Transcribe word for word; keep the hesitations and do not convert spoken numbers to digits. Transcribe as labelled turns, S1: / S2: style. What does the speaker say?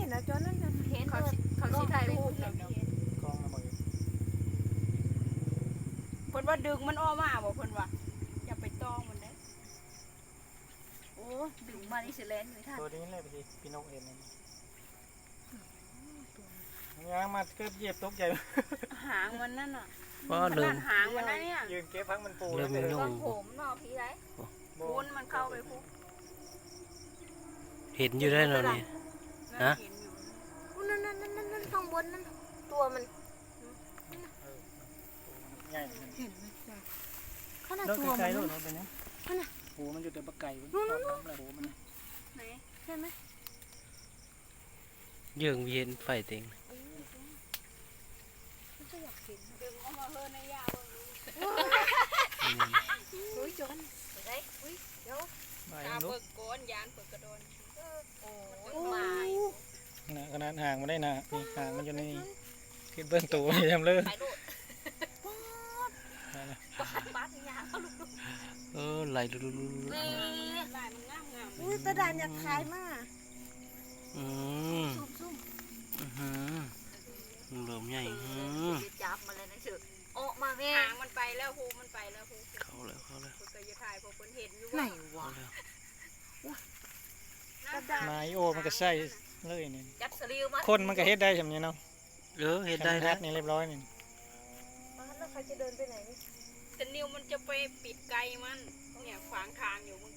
S1: นนะจอนนั่นเห็น
S2: เขาเขาสิถ่ายรูปแล้ว
S3: กล้องมาบอก
S2: เพิ่นว่าดึงมันออกมาบ่เพิ่นว่าอย่าไปตองมันได้โอ้ดึงมานี่สิแลนอยู่ท่าน
S3: ตัวนี้เลยพี่พี่นกเห็นนี่ยางมาเกือบเหยียบตกใหญ่
S2: หางมันนั่นน่ะ
S4: ก็เริ่ม
S2: หางมันนั่นเนี่ย
S3: ยืนเก็บพักมันปู
S4: เริ่มยุ่ง
S2: ต้นผมเนาะพี่ไรปูนมันเข้าไปพุก
S4: เห็นอยู่ได้แล้วนี่ ฮะ
S2: เห็นอยู่
S1: นั่นนั่นนั่นนั่นข้างบนนั่นตัวมัน
S3: ใหญ่
S1: เห็นไหมจ้ะขนาด
S3: เลิก
S1: ตัว
S3: ไกล
S1: มัน
S3: ๆลูกไปนะหูมันอยู่แต่ปลาไก่หูมัน
S2: ไหน
S1: ใช่ไหม
S4: เยื่องเย็นไฟเต็ง
S1: มันก็อยากเห็น
S2: ดึงออกมาเฮือในยาเบิ่งดู
S4: อืม
S1: อุ้ยจอนไปอุ้ยเดี๋ยว
S3: ไป
S2: ตา
S3: ลูก
S2: เบิกก้นยานเปิดกระโดนโอ้
S1: โอ้
S2: ยตาย
S3: นะขนาดห่างมันได้นะนี่ห่างมันอยู่ในนี่คิดเบื้องตัวนี่ทำเลย
S2: ไปโลดบ้านยาเขาลุก
S4: เออไหลลุลุลุลุ
S2: ลายมันงามงาม
S1: อุ้ยตาดานอยากขายมาก
S4: อืม
S1: ซุ่มซุ่ม
S4: อือหือเริ่มใหญ่อือ
S2: จับมาเลยนะเสือโอ้มาแม่หางมันไปแล้วฮูมันไปแล้วฮู
S4: เข้าแล้วเข้าแล้ว
S2: เพิ่นก็จะถ่ายพวกเพิ่นเห็นอยู่
S1: ไหน
S2: ว่าว
S4: เข้าแล้ว
S1: ตาดาน
S3: ไม้โอมันก็ใส่เลยนี่
S2: จับสลิวมา
S3: คนมันก็เฮ็ดได้ใช่ไหมเนาะ
S4: เออเห็นได้
S3: แล้
S4: แล้ว ว
S3: นี่เรียบร้อยนี่
S1: แล้วใครจะเดินไปไหนนี่
S2: แต่นิวมันจะไปปิดไกลมันเนี่ยขวางทางอยู่มึง